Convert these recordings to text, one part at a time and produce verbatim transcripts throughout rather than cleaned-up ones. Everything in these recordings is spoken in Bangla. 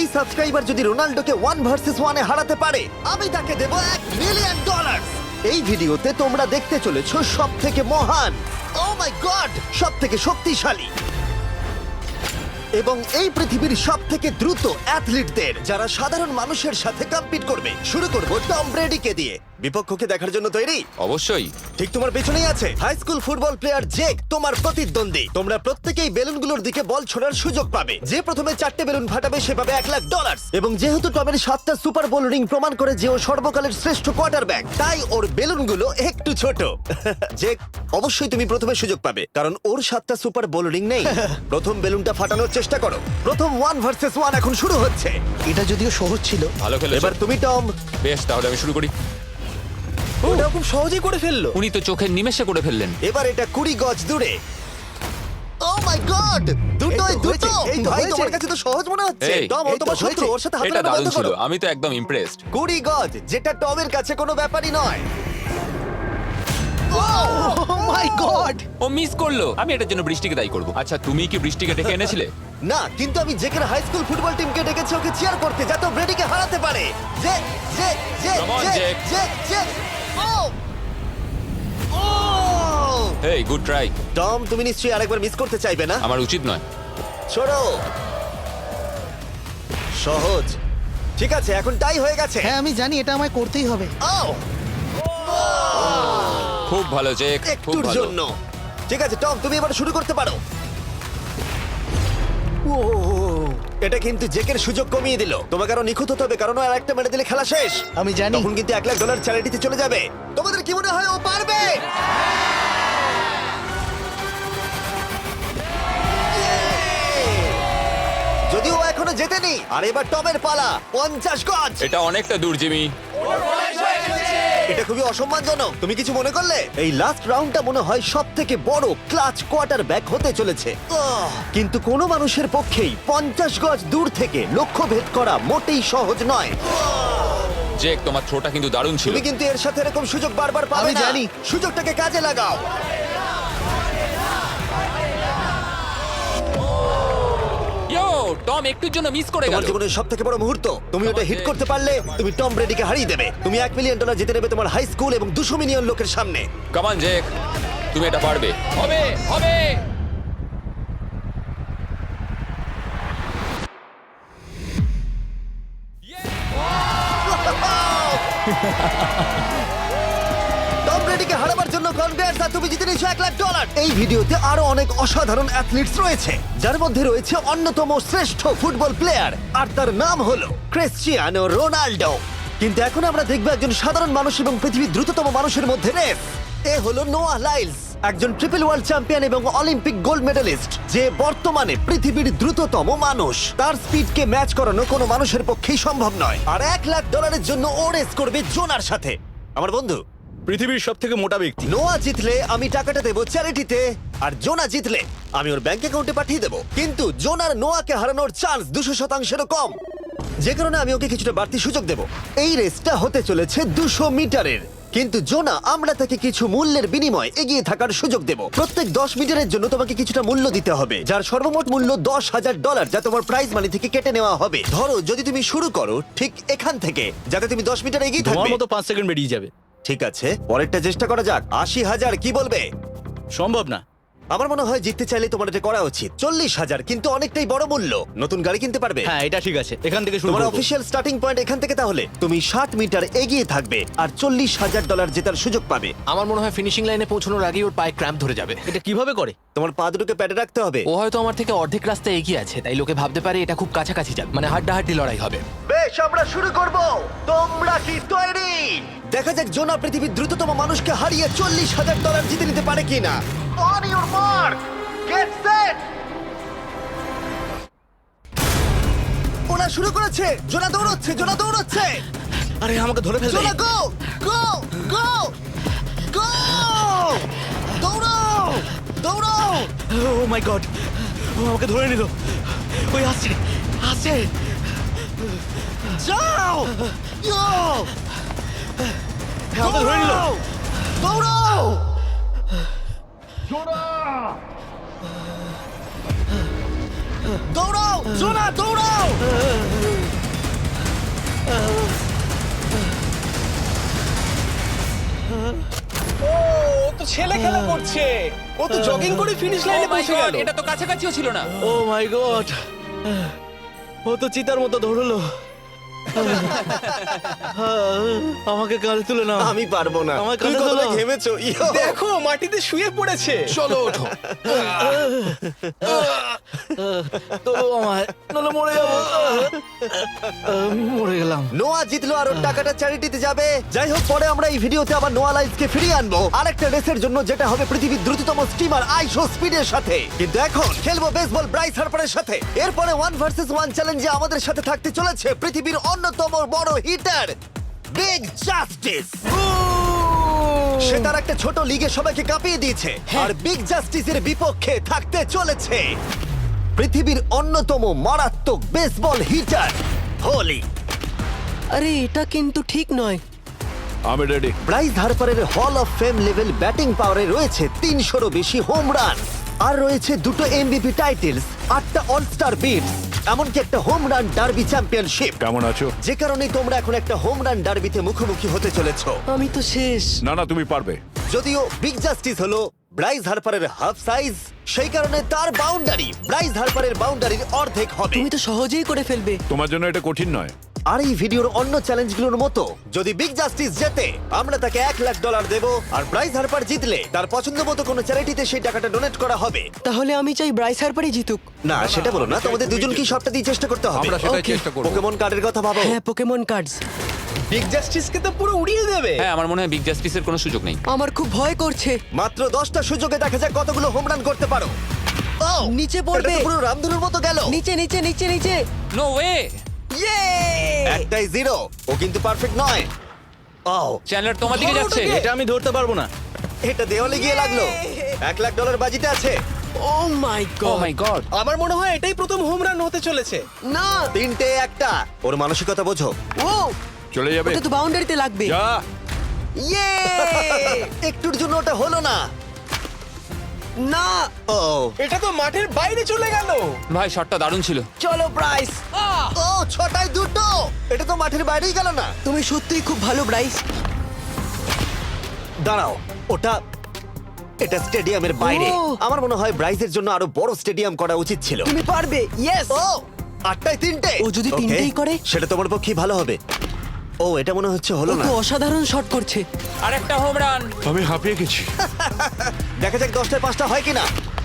সাবস্ক্রাইবার যদি রোনাল্ডোকে ওয়ান ভার্সেস ওয়ানে হারাতে পারে আমি তাকে দেবো এক মিলিয়ন ডলার। এই ভিডিওতে তোমরা দেখতে চলেছো সব থেকে মহান, ও মাই গড, সব থেকে শক্তিশালী এবং এই পৃথিবীর সব থেকে দ্রুত অ্যাথলিটদের যারা সাধারণ মানুষের সাথে কম্পিট করবে। শুরু করবো টম ব্রেডিকে দিয়ে। বিপক্ষকে দেখার জন্য তৈরি? অবশ্যই। ঠিক তোমার পেছনেই আছে high school football player Jake, তোমার প্রতিদ্বন্দ্বী। তোমরা প্রত্যেকেই বেলুনগুলোর দিকে বল ছোড়ার সুযোগ পাবে। যে প্রথমে চারটে বেলুন ফাটাবে সে পাবে এক লাখ ডলার। এবং যেহেতু টমের সাতটা সুপার বোল রিং প্রমাণ করে যে ও সর্বকালের শ্রেষ্ঠ কোয়ার্টারব্যাক, তাই ওর বেলুনগুলো একটু ছোট। জেক, অবশ্যই তুমি প্রথমে সুযোগ পাবে কারণ ওর সাতটা সুপার বোল রিং নেই। প্রথম বেলুনটা ফাটানোর চেষ্টা করো। প্রথম ওয়ান ভার্সেস ওয়ান এখন শুরু হচ্ছে। এটা যদিও সহজ ছিল। ভালো খেলেছো। এবার তুমি টম। বেশ, তাহলে আমি শুরু করি। ওটা খুব সহজেই করে ফেললো। উনি তো চোখের নিমেষে করে ফেললেন। এবার এটা কুড়ি গজ দূরে। ও মাই গড, দুটোই এই তো দুটো। হয়েছে, এই তো ভাই হয়েছে। তোমার কাছে তো সহজ মনে হচ্ছে। এই, টম, ও এই তো তোমার শত্রু, হয়েছে। ওর সাথে হাত এটা মেলানো দারুণ বন্ধ ছিল, করো। আমি তো একদম ইমপ্রেসড। কুড়ি গজ, যেটা টমের কাছে কোনো ব্যাপারই নয়। ও মাই গড! ও মিস করলো। আমি এটার জন্য বৃষ্টিকে দায়ী করব। আচ্ছা, তুমি কি বৃষ্টিকে ডেকে এনেছিলে? না, কিন্তু আমি জেকের হাই স্কুল ফুটবল টিমকে ডেকেছি ওকে চিয়ার করতে যাতে ও ব্রেডিকে হারাতে পারে। যে যে যে Come on, যে Jake. যে যে ও ও হেই, গুড ট্রাই। টম, তুমি নিশ্চয়ই আরেকবার মিস করতে চাইবে না? আমার উচিত নয়। ছোড়ো। সহজ। ঠিক আছে, এখন টাই হয়ে গেছে। হ্যাঁ আমি জানি এটা আমায় করতেই হবে। ও খুব ভালো জেক, খুব একটুর ভালো। জন্য। ঠিক আছে টম, তুমি এবার শুরু করতে পারো। ও, এটা কিন্তু জেকের সুযোগ কমিয়ে দিল। তোমাকে আরো নিখুঁত হতে হবে কারণ ও আর একটা মেরে দিলে খেলা শেষ। আমি জানি। তখন কিন্তু এক লাখ ডলার চ্যারিটিতে চলে যাবে। তোমাদের কি মনে হয় ও পারবে? যদিও ও এখনো জেতেনি। আর এবার টমের পালা। পঞ্চাশ গজ। এটা অনেকটা দূর, জিমি। এটা খুবই অসম্মানজনক। তুমি কিছু মনে করলে? এই লাস্ট রাউন্ডটা মনে হয় সব থেকে বড় ক্লাচ কোয়ার্টার ব্যাক হতে চলেছে। আহ! কিন্তু কোনো মানুষের পক্ষেই পঞ্চাশ গজ দূর থেকে লক্ষ্য ভেদ করা মোটেই সহজ নয়। জেক, তোমার থ্রোটা কিন্তু দারুণ ছিল। তুমি কিন্তু এর সাথে এরকম সুযোগ বারবার পাবে আমি না। জানি। সুযোগটাকে কাজে লাগাও। ইয়ো, টম একটুর জন্য মিস করে তোমার গেল। জীবনের সব থেকে বড় মুহূর্ত। তুমি ওটা হিট করতে পারলে তুমি টম ব্রেডিকে হারিয়ে দেবে। তুমি এক মিলিয়ন ডলার জিতে নেবে তোমার হাই স্কুল এবং দুশো মিলিয়ন লোকের সামনে। কাম অন জেক, তুমি এটা পারবে। হবে, হবে। টম ব্রেডিকে হারাবার জন্য কনগ্রেটস, আর তুমি জিতে নিয়েছো এক লাখ ডলার। এই ভিডিওতে আরো অনেক অসাধারণ অ্যাথলিটস রয়েছে যার মধ্যে রয়েছে অন্যতম শ্রেষ্ঠ ফুটবল প্লেয়ার আর তার নাম হলো ক্রিশ্চিয়ানো রোনাল্ডো। কিন্তু এখন আমরা দেখবো একজন সাধারণ মানুষ এবং পৃথিবীর দ্রুততম মানুষের মধ্যে রেস। এ হলো নোয়াহ লাইলস, একজন ট্রিপল ওয়ার্ল্ড চ্যাম্পিয়ন এবং অলিম্পিক গোল্ড মেডেলিস্ট, যে বর্তমানে পৃথিবীর দ্রুততম মানুষ। তার স্পিডকে ম্যাচ করানো কোনো মানুষের পক্ষেই সম্ভব নয়। আর এক লাখ ডলারের জন্য ও রেস করবে জোনার সাথে, আমার বন্ধু। পৃথিবীর সব থেকে মোটা ব্যক্তি। নোয়া জিতলে আমি টাকাটা দেবো চ্যারিটিতে, আর জোনা জিতলে আমি ওর ব্যাংক অ্যাকাউন্টে পাঠিয়ে দেবো। কিন্তু জোনার নোয়াকে হারানোর চান্স দুশো শতাংশেরও কম, যে কারণে আমি ওকে কিছুটা বাড়তি সুযোগ দেবো। এই রেসটা হতে চলেছে দুশো মিটারের, কিন্তু জোনা আমরা তাকে কিছু মূল্যের বিনিময়ে এগিয়ে থাকার সুযোগ দেব। প্রত্যেক দশ মিটারের জন্য তোমাকে কিছুটা মূল্য দিতে হবে, যার সর্বমোট মূল্য দশ হাজার ডলার, যা তোমার প্রাইজ মানি থেকে কেটে নেওয়া হবে। ধরো যদি তুমি শুরু করো ঠিক এখান থেকে, যাতে তুমি দশ মিটার এগিয়ে তোমার থাকবে। মতো পাঁচ সেকেন্ড বেরিয়ে যাবে। ঠিক আছে, পরেরটা চেষ্টা করা যাক। আশি হাজার, কি বলবে? সম্ভব না। আমার মনে হয় জিততে চাইলে তোমার এটা করা উচিত। চল্লিশ হাজার কিন্তু অনেকটাই বড় মূল্য। নতুন গাড়ি কিনতে পারবে। হ্যাঁ এটা ঠিক আছে, এখান থেকে শুরু তোমার করব। অফিসিয়াল স্টার্টিং পয়েন্ট এখান থেকে। তাহলে তুমি ষাট মিটার এগিয়ে থাকবে আর চল্লিশ হাজার ডলার জেতার সুযোগ পাবে। আমার মনে হয় ফিনিশিং লাইনে পৌঁছানোর আগেই ওর পায়ে ক্র্যাম্প ধরে যাবে। এটা কিভাবে করে? তোমার পা দুটোকে প্যাডে রাখতে হবে। ও হয়তো আমার থেকে অর্ধেক রাস্তা এগিয়ে আছে, তাই লোকে ভাবতে পারে এটা খুব কাছাকাছি যাবে, মানে হাড্ডাহাড্ডি লড়াই হবে। বেশ, আমরা শুরু করব। তোমরা কি তৈরি? দেখা যাক জোনা পৃথিবীর দ্রুততম মানুষকে হারিয়ে চল্লিশ হাজার ডলার জিতে নিতে পারে কিনা। On your mark, get set. ওরা শুরু করেছে। জোনা দৌড়চ্ছে, জোনা দৌড়চ্ছে। আরে আমাকে ধরে ফেলবে। জোনা গো গো গো গো! দৌড়াও দৌড়াও! ও মাই গড, ও আমাকে ধরে নিল। ওই আসছে আসছে। যাও! ইয়ো! আমাকে ধরে নিল। দৌড়াও! দৌড়াও! জোনা দৌড়াও! ছেলে খেলা করছে ও তো জগিং করে ফিনিশ Oh লাইনে my পৌঁছে God, গেল এটা তো কাছাকাছিও ছিল না। ও মাই গড ও তো চিতার মতো ধরলো আমাকে কাল তুলে না আমি পারবো না আমার তুমি কাঁধে কতটা তোলো। ঘেমেছো ইয়ো। দেখো মাটিতে শুয়ে পড়েছে চলো ওঠো। তো আমায় নাহলে মরে যাবো আহ, মরে গেলাম নোয়া জিতলো আর ওর টাকাটা চ্যারিটিতে যাবে। যাই হোক, পরে আমরা এই ভিডিওতে আবার নোয়া লাইফকে ফিরিয়ে আনবো আরেকটা রেসের জন্য, যেটা হবে পৃথিবীর দ্রুততম স্টিমার আইশো স্পিডের সাথে। কিন্তু এখন খেলবো বেসবল ব্রাইস হার্পারের সাথে। এরপরে ওয়ান ভার্সেস ওয়ান চ্যালেঞ্জে আমাদের সাথে থাকতে চলেছে পৃথিবীর অন্যতম বড় হিটার বিগ জাস্টিস। সে তার একটা ছোট লিগে সবাইকে কাঁপিয়ে দিয়েছে, আর বিগ জাস্টিসের বিপক্ষে থাকতে চলেছে পৃথিবীর অন্যতম মারাত্মক বেসবল হিটার হোলি। আরে এটা কিন্তু ঠিক নয়। আমি ready. Bryce হার্পারের hall of fame level batting পাওয়ারে রয়েছে তিনশোরও বেশি হোম রান, আর রয়েছে দুটো এমভিপি টাইটেলস, আটটা অলস্টার বিটস, এমনকি একটা হোম রান ডার্বি চ্যাম্পিয়নশিপ। কেমন আছো? যে কারণে তোমরা এখন একটা হোম রান ডার্বিতে মুখোমুখি হতে চলেছো। আমি তো শেষ। না না তুমি পারবে। যদিও বিগ জাস্টিস হলো ব্রাইস হার্পারের হাফ সাইজ, সেই কারণে তার বাউন্ডারি ব্রাইস হার্পারের বাউন্ডারির অর্ধেক হবে। তুমি তো সহজেই করে ফেলবে। তোমার জন্য এটা কঠিন নয়। আর এই ভিডিওর অন্য চ্যালেঞ্জগুলোর মতো যদি বিগ জাস্টিস জেতে আমরা তাকে এক লাখ ডলার দেব, আর ব্রাইস হার্পার জিতলে তার পছন্দ মতো কোনো চ্যারিটিতে সেই টাকাটা ডোনেট করা হবে। তাহলে আমি চাই ব্রাইস হার্পারই জিতুক। না সেটা বলো না, তোমাদের দুজনকেই সবটা দিয়ে চেষ্টা করতে হবে। আমরা সেটাই Okay. চেষ্টা করব। পোকেমন কার্ডের কথা ভাবো। হ্যাঁ, পোকেমন কার্ডস। বিগ জাস্টিসকে তো পুরো উড়িয়ে দেবে হ্যাঁ, আমার মনে হয় বিগ জাস্টিসের কোনো সুযোগ নেই। আমার খুব ভয় করছে। মাত্র দশটা সুযোগে দেখা যাক কতগুলো হোম রান করতে পারো। Oh! নিচে এটা পড়বে। তো পুরো রামধনুর মতো গেল। নিচে নিচে নিচে নিচে। No way. ইয়ে! একটাই জিরো, ও কিন্তু পারফেক্ট নয়। ও চ্যানেলার তোমার দিকে যাচ্ছে। এটা আমি ধরতে পারবো না এটা দেওয়ালে গিয়ে লাগলো। এক লাখ ডলার বাজিতে আছে। Oh my oh God. My God. আমার মনে হয় এটাই প্রথম হোম রান হতে চলেছে না। তিনটে একটা। ওর মানসিকতা বোঝো। ও, চলে যাবে। ওটা তো বাউন্ডারিতে লাগবে। যা। ইয়ে! একটুর জন্য ওটা হলো না। না। ও এটা তো মাঠের বাইরে চলে গেল ভাই শটটা দারুণ ছিল। চলো ব্রাইস। ও ছটায় দুটো। এটা তো মাঠের বাইরেই গেল না। তুমি সত্যিই খুব ভালো ব্রাইস। দাঁড়াও, ওটা এটা স্টেডিয়ামের বাইরে। ও। আমার মনে হয় ব্রাইজের জন্য আরো বড় স্টেডিয়াম করা উচিত ছিল। তুমি পারবে। ইয়েস। ও আটটায় তিনটে। ও যদি Okay, তিনটেই করে? সেটা তোমার পক্ষে ভালো হবে। ও এটা মনে হচ্ছে ও হলো না। তো অসাধারণ শট করছে। আর একটা হোম রান। আমি হাঁপিয়ে গেছি। দেখা যাক দশটায় পাঁচটা হয় কিনা।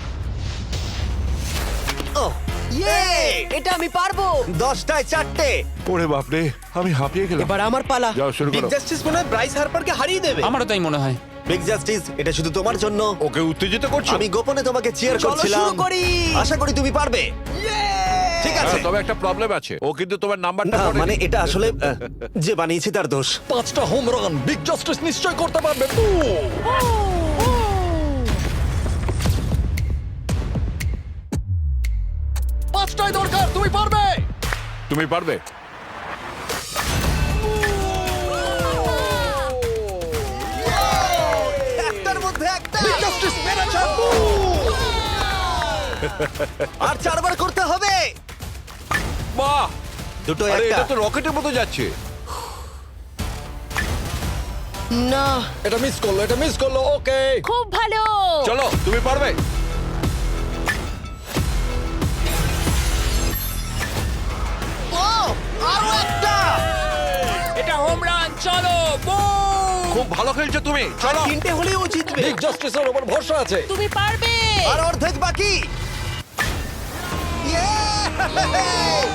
ও ইয়ে! এটা আমি পারবো। দশটায় চারটে। ওরে বাপরে, আমি হাঁপিয়ে গেলাম। এবার আমার পালা। যাও শুরু বিগ করো। জাস্টিস মনে হয় ব্রাইস হার্পারকে হারিয়ে দেবে আমারও তাই মনে হয়। বিগ জাস্টিস, এটা শুধু তোমার জন্য। ওকে উত্তেজিত করছো? আমি গোপনে তোমাকে চিয়ার চলো করছিলাম। শুরু করি। আশা করি তুমি পারবে। ঠিক আছে। হ্যাঁ, তবে একটা প্রবলেম আছে, ও কিন্তু তোমার নাম্বারটা না পড়েনি। মানে এটা আসলে আহ, যে বানিয়েছে তার দোষ। পাঁচটা হোম রান বিগ জাস্টিস নিশ্চয় করতে পারবে। পাঁচটাই দরকার, তুমি পারবে। তুমি পারবে। একটার মধ্যে একটা। জাস্টিস মেরেছে। আর চারবার করতে হবে। বাহ, দুটো আরে একটা। এটা তো রকেটের মতো যাচ্ছে। না। এটা মিস করলো, এটা মিস করলো। ওকে, খুব ভালো। চলো, তুমি পারবে। ও আরো একটা। এটা হোম রান। চলো বুম। খুব ভালো খেলছো তুমি। চলো। তিনটে হলেও ও জিতবে বিগ জাস্টিসের উপর ভরসা আছে। তুমি পারবে। আর অর্ধেক বাকি। Yeah!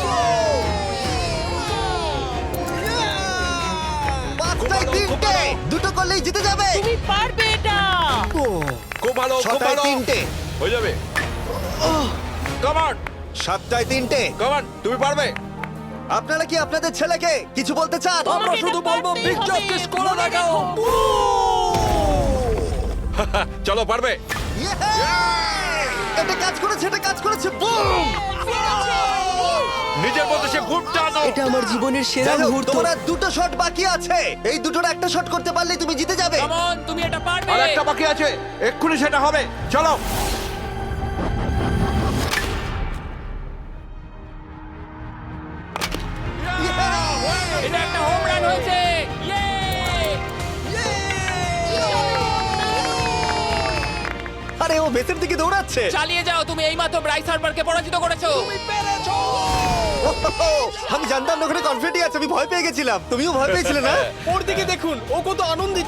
পাঁচটায় তিনটে। দুটো করলেই জিতে যাবে। তুমি পারবে এটা। খুব ভালো, খুব ছটায় ভালো। তিনটে। হয়ে যাবে। কাম অন, সাতটায় তিনটে। কাম অন, তুমি পারবে। আপনারা কি আপনাদের ছেলেকে কিছু বলতে চান? আমরা তোমাকে শুধু এটা বলবো পারতেই বিগ হবে। জাস্টিস করে মনে দেখাও। রেখো। চলো, পারবে। Yeah! এটা কাজ করেছে, এটা কাজ করেছে। বুম! নিজের মতো সে খুব টানো। এটা আমার জীবনের সেরা যাই হোক, মুহূর্ত। তোমার আর দুটো শট বাকি আছে। এই দুটোর একটা শট করতে পারলে তুমি জিতে যাবে। কাম অন, তুমি এটা পারবে। আর একটা বাকি আছে, এক্ষুনি সেটা হবে। চলো। এটা একটা হোম রান হয়েছে। ইয়ে! ও বেসের দিকে দৌড়াচ্ছে। চালিয়ে যাও, তুমি এইমাত্র ব্রাইস হারবারকে পরাজিত করেছো। ওহো, আমি জানতাম না ওখানে কনফিডেন্ট আছে, আমি ভয় পেয়ে গেছিলাম। তুমিও ভয় পেয়েছিলে না? ওর দিকে দেখুন, ও কত আনন্দিত।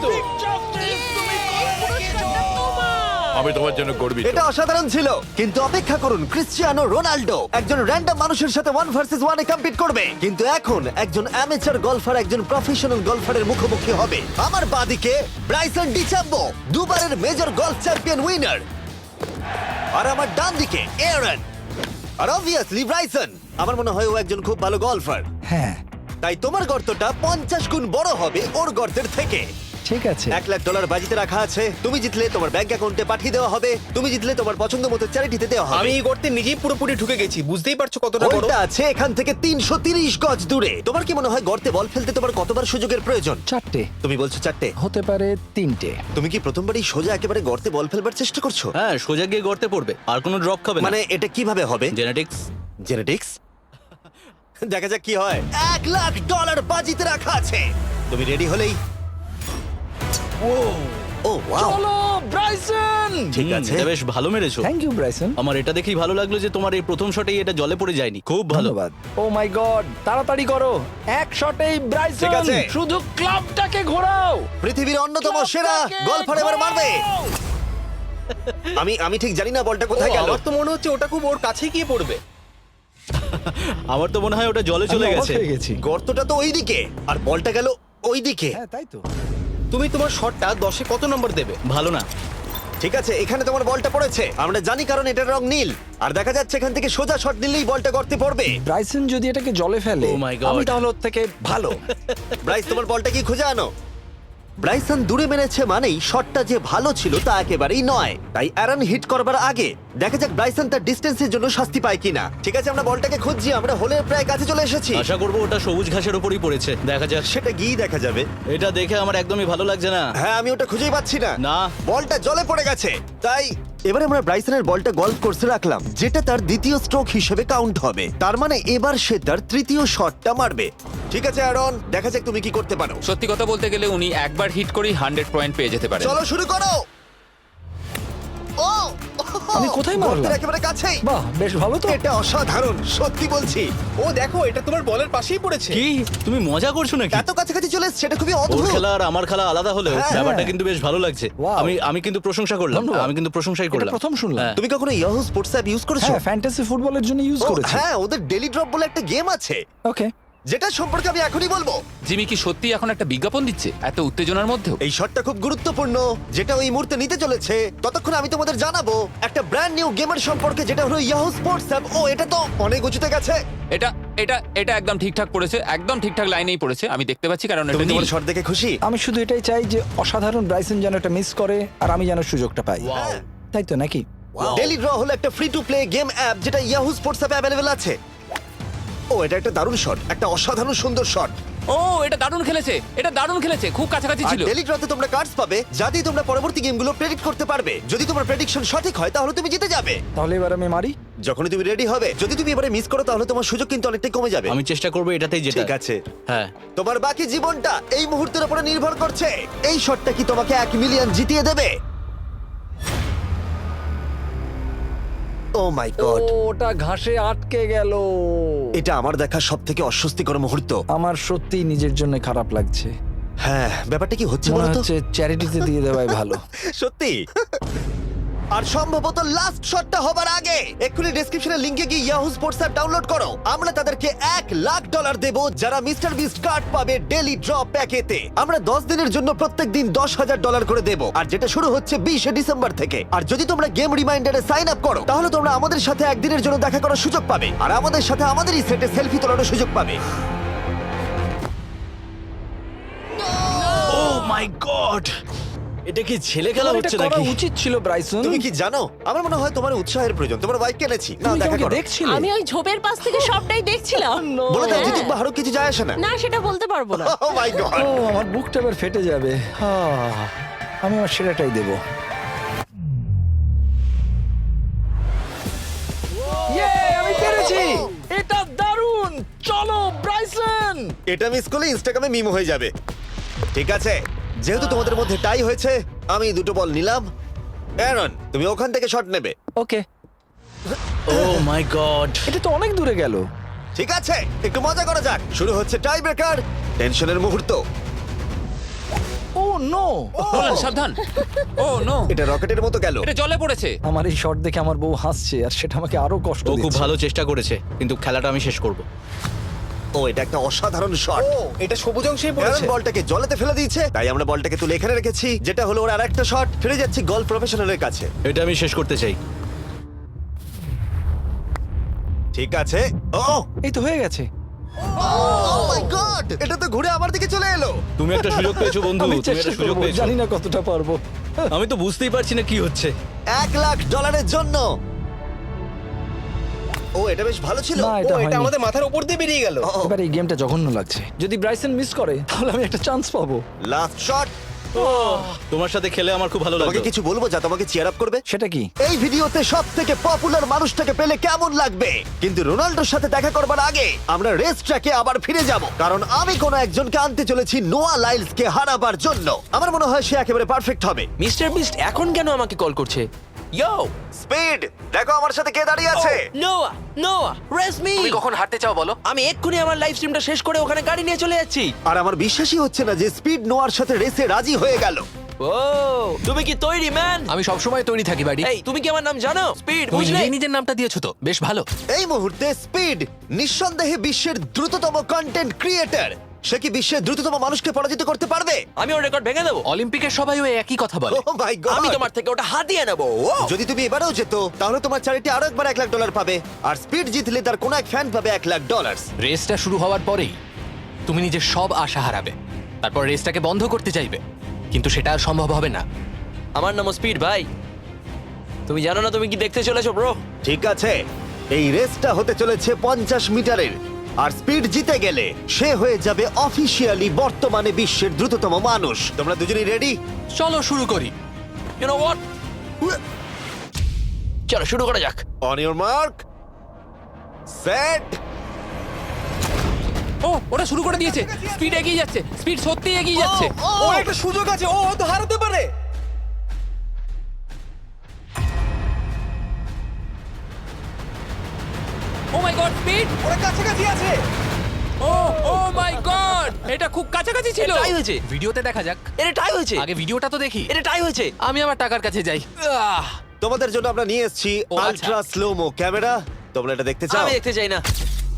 আমি তোমার জন্য গর্বিত। এটা অসাধারণ ছিল, কিন্তু অপেক্ষা করুন, ক্রিশ্চিয়ানো রোনাল্ডো একজন র্যান্ডম মানুষের সাথে ওয়ান ভার্সেস ওয়ানে কম্পিট করবে, কিন্তু এখন একজন অ্যামেচার গলফার একজন প্রফেশনাল গলফারের মুখোমুখি হবে। আমার বাদিকে ব্রাইসন ডিচাম্বো, দুবারের মেজর গলফ চ্যাম্পিয়ন উইনার, আর আমার ডান দিকে এরন। আর অবভিয়াসলি ব্রাইসন, আমার মনে হয় ও একজন খুব ভালো গলফার। হ্যাঁ তাই তোমার গর্তটা পঞ্চাশ গুণ বড় হবে ওর গর্তের থেকে। ঠিক আছে। এক লাখ ডলার বাজিতে রাখা আছে। তুমি জিতলে তোমার ব্যাংক অ্যাকাউন্টে পাঠিয়ে দেওয়া হবে, তুমি জিতলে তোমার পছন্দ মতো চ্যারিটিতে দেওয়া হবে। আমি এই গর্তে নিজেই পুরোপুরি ঢুকে গেছি, বুঝতেই পারছো কতটা বড়। হোলটা আছে এখান থেকে তিনশো তিরিশ গজ দূরে। তোমার কি মনে হয় গর্তে বল ফেলতে তোমার কতবার সুযোগের প্রয়োজন? চারটে তুমি বলছো চারটে, হতে পারে তিনটে। তুমি কি প্রথমবারই সোজা একেবারে গর্তে বল ফেলবার চেষ্টা করছো? হ্যাঁ, সোজা গিয়ে গর্তে পড়বে, আর কোনো ড্রপ খাবে না। মানে এটা কিভাবে হবে? জেনেটিক্স। জেনেটিক্স? দেখা যাক কি হয়। এক লাখ ডলার বাজিতে রাখা আছে, তুমি রেডি হলেই। ও ও ওয়াও, চলো ব্রাইসন। ঠিক আছে। বেশ ভালো মেরেছো। Thank you Bryson. আমার এটা দেখেই ভালো লাগলো যে তোমার এই প্রথম শটেই এটা জলে পড়ে যায়নি। খুব ভালো। ধন্যবাদ। ও মাই গড, তাড়াতাড়ি করো, এক শটেই ব্রাইসন। ঠিক আছে। শুধু ক্লাবটাকে ঘোরাও। পৃথিবীর অন্যতম সেরা গলফার এবার মারবে। আমি আমি ঠিক জানি না বলটা কোথায় গেল। আমার তো মনে হচ্ছে ওটা খুব ওর কাছেই গিয়ে পড়বে। আমার তো মনে হয় ওটা জলে চলে আমি অবাক গেছে। হয়ে গেছি। গর্তটা তো ওইদিকে আর বলটা গেল ওইদিকে। হ্যাঁ তাই তো। তুমি তোমার শটটা দশে কত নম্বর দেবে? ভালো না। ঠিক আছে, এখানে তোমার বলটা পড়েছে, আমরা জানি কারণ এটার রং নীল। আর দেখা যাচ্ছে এখান থেকে সোজা শট নিলেই বলটা গর্তে পড়বে। ব্রাইসন যদি এটাকে জলে ফেলে, Oh my God. আমি তাহলে ওর থেকে ভালো। ব্রাইস, তোমার বলটা কি খুঁজে আনো। ব্রাইসন দূরে মেরেছে মানেই শটটা যে ভালো ছিল তা একেবারেই নয়। তাই অ্যারন হিট করবার আগে দেখা যাক ব্রাইসন তার ডিস্টেন্সের জন্য শাস্তি পায় কিনা। ঠিক আছে, আমরা বলটাকে খুঁজছি, আমরা হোলের প্রায় কাছে চলে এসেছি। আশা করবো ওটা সবুজ ঘাসের উপরই পড়েছে। দেখা যাক। সেটা গিয়ে দেখা যাবে। এটা দেখে আমার একদমই ভালো লাগছে না। হ্যাঁ, আমি ওটা খুঁজেই পাচ্ছি না। না। বলটা জলে পড়ে গেছে। তাই এবারে আমরা ব্রাইসনের বলটা গলফ কোর্সে রাখলাম, যেটা তার দ্বিতীয় স্ট্রোক হিসেবে কাউন্ট হবে। তার মানে এবার সে তার তৃতীয় শটটা মারবে। ঠিক আছে অ্যারন, দেখা যাক তুমি কি করতে পারো। সত্যি কথা বলতে গেলে উনি একবার হিট করেই হান্ড্রেড পয়েন্ট পেয়ে যেতে পারেন। চলো শুরু করো। ও আমি কোথায় মারলাম? গর্তের একেবারে কাছেই। বাহ, বেশ ভালো তো। এটা অসাধারণ, সত্যি বলছি। ও দেখো, এটা তোমার বলের পাশেই পড়েছে। কি তুমি মজা করছো নাকি? এত কাছাকাছি চলে এসেছে, এটা খুবই ওর অদ্ভুত। খেলা আর আমার খেলা আলাদা হলেও হ্যাঁ, ব্যাপারটা হ্যাঁ। কিন্তু বেশ ভালো লাগছে। Wow. আমি আমি কিন্তু প্রশংসা করলাম। ধন্যবাদ। আমি কিন্তু প্রশংসাই এটা করলাম। প্রথম শুনলাম। হ্যাঁ। তুমি কখনো ইয়াহু স্পোর্টস অ্যাপ ইউজ করেছো? হ্যাঁ, ফ্যান্টাসি ফুটবলের জন্য ইউজ ও, করেছি। হ্যাঁ, ওদের ডেলি ড্রপ বলে একটা গেম আছে, ওকে। যেটা সম্পর্কে আমি এখনই বলবো। জিমি কি সত্যি এখন একটা বিজ্ঞাপন দিচ্ছে এত উত্তেজনার মধ্যেও? এই শটটা খুব গুরুত্বপূর্ণ, যেটা ওই মুহূর্তে নিতে চলেছে। ততক্ষণ আমি তোমাদের জানাবো একটা ব্র্যান্ড নিউ গেমের সম্পর্কে, যেটা হলো ইয়াহু স্পোর্টস অ্যাপ। ও, এটা তো অনেক উঁচুতে গেছে। এটা এটা এটা একদম ঠিকঠাক পড়েছে, একদম ঠিকঠাক লাইনেই পড়েছে। আমি দেখতে পাচ্ছি কারণ তুমি এটা নীল। তোমার শট দেখে খুশি? আমি শুধু এটাই চাই যে অসাধারণ ব্রাইসন যেন এটা মিস করে আর আমি যেন সুযোগটা পাই। হ্যাঁ। তাই তো নাকি? ডেলি ড্র হলো একটা free to play game app, যেটা ইয়াহু স্পোর্টস অ্যাপে অ্যাভেলেবল আছে। ও, এটা একটা দারুণ শট, একটা অসাধারণ সুন্দর শট। ও, এটা দারুণ খেলেছে, এটা দারুণ খেলেছে, খুব কাছাকাছি আর ছিল। ডেলি ড্রতে তোমরা কার্ডস পাবে, যা দিয়ে তোমরা পরবর্তী গেমগুলো প্রেডিক্ট করতে পারবে। যদি তোমার প্রেডিকশন সঠিক হয় তাহলে তুমি জিতে যাবে। তাহলে এবার আমি মারি। যখনই তুমি রেডি হবে, যদি তুমি এবারে মিস করো তাহলে তোমার সুযোগ কিন্তু অনেকটাই কমে যাবে। আমি চেষ্টা করবো এটাতেই যেটা। ঠিক আছে, হ্যাঁ। তোমার বাকি জীবনটা এই মুহূর্তের উপরে নির্ভর করছে। এই শটটা কি তোমাকে এক মিলিয়ন জিতিয়ে দেবে? ও মাই গড, ওটা ঘাসে আটকে গেল। এটা আমার দেখা সব থেকে অস্বস্তিকর মুহূর্ত। আমার সত্যি নিজের জন্য খারাপ লাগছে। হ্যাঁ, ব্যাপারটা কি হচ্ছে মনে বলতো? হচ্ছে চ্যারিটিতে দিয়ে দেওয়াই ভালো। সত্যি। আর সম্ভবত লাস্ট শটটা হবার আগে এক্ষুনি ডেসক্রিপশনের লিংকে গিয়ে ইয়াহু স্পোর্টস অ্যাপ ডাউনলোড করো। আমরা তাদেরকে এক লাখ ডলার দেব যারা মিস্টার বিস্ট কার্ড পাবে ডেলি ড্র প্যাকেতে। আমরা দশ দিনের জন্য প্রত্যেক দিন দশ হাজার ডলার করে দেব, আর যেটা শুরু হচ্ছে বিশে ডিসেম্বর থেকে। আর যদি তোমরা গেম রিমাইন্ডারে সাইন আপ করো তাহলে তোমরা আমাদের সাথে একদিনের জন্য দেখা করার সুযোগ পাবে, আর আমাদের সাথে আমাদেরই সেটে সেলফি তোলার সুযোগ পাবে। ও মাই গড, এটা কি ছেলে খেলা তোমার এটা হচ্ছে করা নাকি? উচিত ছিল ব্রাইসন। তুমি কি জানো, আমার মনে হয় তোমার উৎসাহের প্রয়োজন। তোমার বাইক কিনেছি, না তুমি কি দেখা আমাকে করো। দেখছিলে? আমি ওই ঝোপের পাশ থেকে সবটাই দেখছিলাম। বলে দাও হ্যাঁ। জিতুক বা হারুক, কিছু যায় আসে না। না, সেটা বলতে পারবো না। ও মাই গড, ও, আমার বুকটা এবার ফেটে যাবে। আহ, আমি আমার সেরাটাই দেব। ইয়ে, আমি পেরেছি। এটা দারুণ। চলো ব্রাইসন। এটা মিস করলে ইনস্টাগ্রামে মিম হয়ে যাবে। ঠিক আছে, যেহেতু তোমাদের মধ্যে টাই হয়েছে, আমি দুটো বল নিলাম। অ্যারন তুমি ওখান থেকে শট নেবে। ওকে, ও মাই গড এটা তো অনেক দূরে গেল। ঠিক আছে, একটু মজা করা যাক। শুরু হচ্ছে টাই ব্রেকার, টেনশনের মুহূর্ত। ও নো, নোলান সাবধান। ও নো, এটা রকেটের মতো গেল। এটা জলে পড়েছে। আমার এই শট দেখে আমার বউ হাসছে আর সেটা আমাকে আরো কষ্ট ও খুব দিচ্ছে। ভালো চেষ্টা করেছে কিন্তু খেলাটা আমি শেষ করব। ও এটা একটা অসাধারণ শট। ও এটা সবুজ অংশেই অ্যারন পড়েছে। বলটাকে জলেতে ফেলে দিয়েছে, তাই আমরা বলটাকে তুলে এখানে রেখেছি, যেটা হলো ওর আরেকটা শট। ফিরে যাচ্ছি গলফ প্রফেশনালের কাছে। এটা আমি শেষ করতে চাই। ঠিক আছে। ও এই তো হয়ে গেছে। ও মাই গড, এটা তো ঘুরে আমার দিকে চলে এলো। তুমি একটা সুযোগ পেয়েছো বন্ধু, আমি তুমি চেষ্টা একটা সুযোগ করবো, পেয়েছো। জানি না কতটা পারবো। আমি তো বুঝতেই পারছি না কি হচ্ছে। এক লাখ ডলারের জন্য। ও এটা বেশ ভালো ছিল। না, ও এটা এটা হয়নি। আমাদের মাথার উপর দিয়ে বেরিয়ে গেল। ও এবার এই গেমটা জঘন্য লাগছে। যদি ব্রাইসন মিস করে তাহলে আমি একটা চান্স পাবো। Last shot. তোমার সাথে খেলে আমার খুব ভালো তোমাকে লাগলো। কিছু বলবো যা তোমাকে চিয়ার আপ করবে? সেটা কি? এই ভিডিওতে সব থেকে পপুলার মানুষটাকে পেলে কেমন লাগবে? কিন্তু রোনাল্ডোর সাথে দেখা করবার আগে আমরা রেস ট্র্যাকে আবার ফিরে যাব, কারণ আমি কোন একজনকে আনতে চলেছি নোয়া লাইলসকে হারাবার জন্য। আমার মনে হয় সে একেবারে পারফেক্ট হবে। মিস্টার বিস্ট এখন কেন আমাকে কল করছে? ইয়ো, স্পিড, দেখো আমার সাথে কে দাঁড়িয়ে আছে। নোয়া, নোয়া, রেস মি। তুমি কখন হাঁটতে চাও বলো? আমি এক্ষুনি আমার লাইভ স্ট্রিমটা শেষ করে ওখানে গাড়ি নিয়ে চলে যাচ্ছি। আর আমার বিশ্বাসই হচ্ছে না যে স্পিড নোয়ার সাথে রেসে রাজি হয়ে গেল। ও, তুমি কি তৈরি ম্যান? আমি সব সময় তৈরি থাকি বাড়ি। এই, তুমি কি আমার নাম জানো? স্পিড, তুমি বুঝলে? নিজেই নিজের নামটা দিয়েছো তো, বেশ ভালো। এই মুহূর্তে স্পিড নিঃসন্দেহে বিশ্বের দ্রুততম কন্টেন্ট ক্রিয়েটর। সে কি বিশ্বের দ্রুততম মানুষকে পরাজিত করতে পারবে? আমি ওর রেকর্ড ভেঙে দেবো। অলিম্পিকের সবাই ওই একই কথা বলে। Oh my God! আমি তোমার থেকে ওটা হাতিয়ে নেবো। ও, যদি তুমি এবারেও যেত তাহলে তোমার চ্যারিটি আরো একবার এক লাখ ডলার পাবে, আর স্পিড জিতলে তার কোনো এক ফ্যান পাবে এক লাখ ডলার। রেসটা শুরু হওয়ার পরেই তুমি নিজের সব আশা হারাবে, তারপর রেসটাকে বন্ধ করতে চাইবে, কিন্তু সেটা আর সম্ভব হবে না। আমার নাম স্পিড ভাই, তুমি জানো না তুমি কি দেখতে চলেছো ব্রো? ঠিক আছে, এই রেসটা হতে চলেছে পঞ্চাশ মিটারের, আর স্পিড জিতে গেলে সে হয়ে যাবে অফিসিয়ালি বর্তমানে বিশ্বের দ্রুততম মানুষ। তোমরা দুজনেই রেডি? চলো শুরু করি। ইউ নো হোয়াট, চলো শুরু করা যাক। On your mark, set. ও ওটা শুরু করে দিয়েছে। স্পিড এগিয়ে যাচ্ছে, স্পিড সত্যি এগিয়ে যাচ্ছে। ও একটা সুযোগ আছে, ও হয়তো হারাতে পারে। Oh my God, speed. ওরা কাছাকাছি আছে। ও ও মাই গড, এটা খুব কাছাকাছি ছিল। টাই হয়েছে, ভিডিওতে দেখা যাক। এটা টাই হয়েছে, আগে ভিডিওটা তো দেখি। এটা টাই হয়েছে, আমি আমার টাকার কাছে যাই। আহ, তোমাদের জন্য আমরা নিয়ে এসেছি ও, আচ্ছা। Ultra slomo camera. তোমরা এটা দেখতে চাও? আমি দেখতে চাই না।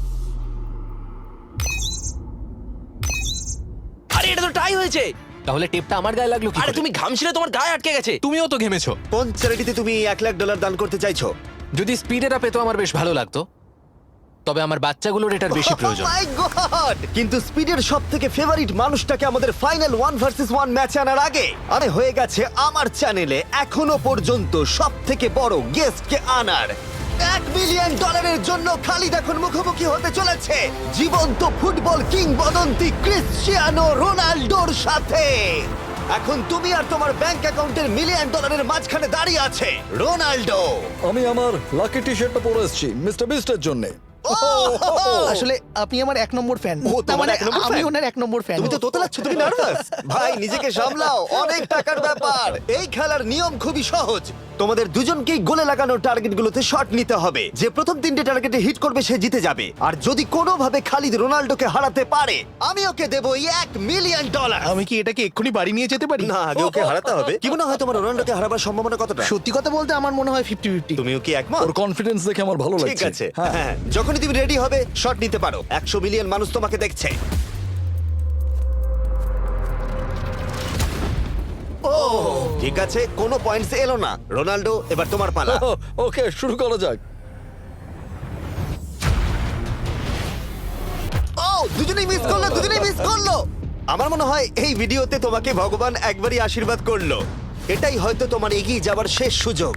আরে এটা তো টাই হয়েছে। তাহলে টেপটা আমার গায়ে লাগলো কি? আরে তুমি ঘামছিলে, তোমার গায়ে আটকে গেছে। তুমিও তো ঘেমেছো। কোন চ্যারিটিতে তুমি এক লাখ ডলার দান করতে চাইছো? যদি স্পিডেরা পেতো আমার বেশ ভালো লাগতো, তবে আমার বাচ্চাগুলোর এটার বেশি প্রয়োজন। Oh my God! কিন্তু স্পিডের সব থেকে ফেভারিট মানুষটাকে আমাদের ফাইনাল ওয়ান ভার্সেস ওয়ান ম্যাচে আনার আগে আরে হয়ে গেছে আমার চ্যানেলে এখনো পর্যন্ত সব থেকে বড় গেস্টকে আনার। এক মিলিয়ন ডলারের জন্য খালিদ এখন মুখোমুখি হতে চলেছে জীবন্ত ফুটবল কিংবদন্তি ক্রিশ্চিয়ানো রোনাল্ডোর সাথে। এখন তুমি আর তোমার ব্যাংক অ্যাকাউন্টের মিলিয়ন ডলারের মাঝখানে দাঁড়িয়ে আছে রোনাল্ডো। আমি আমার লাকি টি শার্টটা পরে এসেছি মিস্টার বিস্টের জন্য। আসলে আপনি আমার এক নম্বর ফ্যান। ও, তোমার এক নম্বর আমি fan? ওনার এক নম্বর ফ্যান। তুমি তো তোতলাচ্ছ, তুমি নার্ভাস। ভাই নিজেকে সামলাও, অনেক টাকার ব্যাপার। এই খেলার নিয়ম খুবই সহজ। তোমাদের দুজনকেই গোলে লাগানো টার্গেটগুলোতে শট নিতে হবে। যে প্রথম তিনটে টার্গেটে হিট করবে সে জিতে যাবে। আর যদি কোনোভাবে খালিদ রোনাল্ডোকে হারাতে পারে আমি ওকে দেবো এক মিলিয়ন ডলার। আমি কি এটাকে এক্ষুনি বাড়ি নিয়ে যেতে পারি? না, আগে ওকে হারাতে হবে। কি মনে হয় তোমার রোনাল্ডোকে হারাবার সম্ভাবনা কতটা? সত্যি কথা বলতে আমার মনে হয় ফিফটি ফিফটি। তুমিও কি একমত? ওর কনফিডেন্স দেখে আমার ভালো লাগছে। ঠিক আছে, হ্যাঁ। হ্যাঁ, যখনই তুমি রেডি হবে শট নিতে পারো। একশো মিলিয়ন মানুষ তোমাকে দেখছে। ও ঠিক আছে, কোনো পয়েন্টস এলো না। রোনাল্ডো, এবার তোমার পালা। ওকে, শুরু করা যাক। ও দুজনেই মিস করলো, দুজনেই মিস করলো। আমার মনে হয় এই ভিডিওতে তোমাকে ভগবান একবারই আশীর্বাদ করলো। এটাই হয়তো তোমার এগিয়ে যাবার শেষ সুযোগ।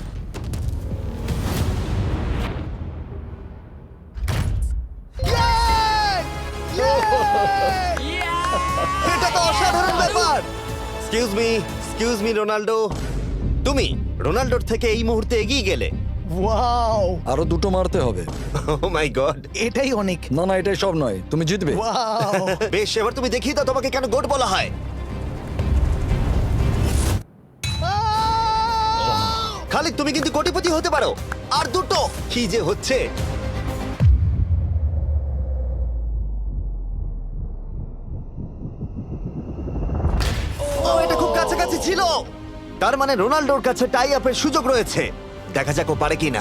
এটা তো অসাধারণ ব্যাপার। Excuse me, excuse me Ronaldo, তুমি রোনাল্ডোর থেকে এই মুহূর্তে এগিয়ে গেলে। ওয়াও, আরো দুটো মারতে হবে। Oh my God. এটাই অনেক। না না, এটাই সব নয়, তুমি জিতবে। ওয়াও, বেশ, এবার তুমি দেখিয়ে দাও তোমাকে কেন গোট বলা হয়। খালিদ তুমি কিন্তু কোটিপতি হতে পারো। আর দুটো কি যে হচ্ছে। ও এটা খুব কাছাকাছি ছিল। তার মানে রোনাল্ডোর কাছে টাই আপের সুযোগ রয়েছে। দেখা যাক ও পারে কিনা।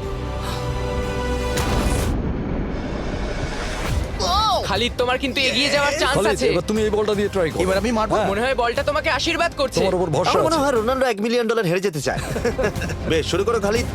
খালিদ তোমার কিন্তু এগিয়ে যাওয়ার চান্স খালিদ, আছে। এবার তুমি এই বলটা দিয়ে ট্রাই করো। এবার আমি মারবো। হ্যাঁ, মনে হয় বলটা তোমাকে আশীর্বাদ করছে। তোমার উপর ভরসা আমার মনে আছে। হয় রোনাল্ডো এক মিলিয়ন ডলার হেরে যেতে চায়। বেশ, শুরু করো খালিদ।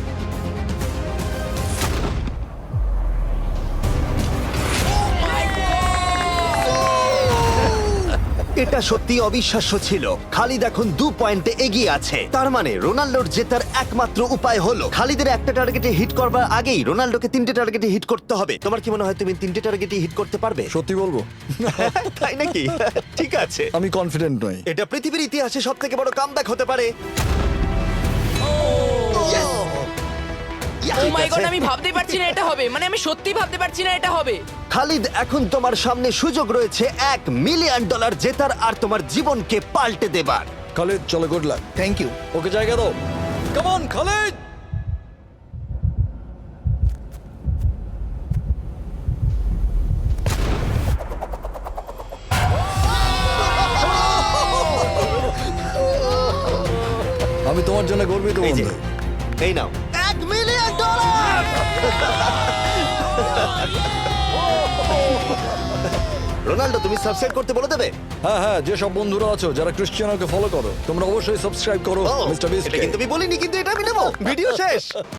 এটা সত্যি অবিশ্বাস্য ছিল। খালিদ এখন দু পয়েন্টে এগিয়ে আছে। তার মানে রোনাল্ডোর জেতার একমাত্র উপায় হলো খালিদের একটা টার্গেটে হিট করবার আগেই রোনাল্ডোকে তিনটে টার্গেটে হিট করতে হবে। তোমার কি মনে হয় তুমি তিনটে টার্গেটে হিট করতে পারবে? সত্যি বলবো, তাই নাকি? ঠিক আছে। আমি কনফিডেন্ট নই। এটা পৃথিবীর ইতিহাসে সব থেকে বড় কামব্যাক হতে পারে। ও মাই ঠিক গড, আছে। আমি ভাবতেই পারছি না এটা হবে। মানে আমি সত্যি ভাবতে পারছি না এটা হবে। খালিদ, এখন তোমার সামনে সুযোগ রয়েছে এক মিলিয়ন ডলার জেতার আর তোমার জীবনকে পাল্টে দেবার। খালিদ চলো, গুড লাক। Thank you. ওকে জায়গা দাও। Come on Khalid. আমি তোমার জন্য গর্বিত এই যে, বন্ধু। এই নাও এক মিলিয়ন ডলার। রোনাল্ডো, তুমি সাবস্ক্রাইব করতে বলে দেবে? হ্যাঁ হ্যাঁ, যে সব বন্ধুরা আছো যারা ক্রিশ্চিয়ানোকে ফলো করো, তোমরা অবশ্যই সাবস্ক্রাইব করো ও, মিস্টার এটা বিস্টকে। কিন্তু আমি বলিনি, কিন্তু এটা আমি নেবো। ভিডিও শেষ।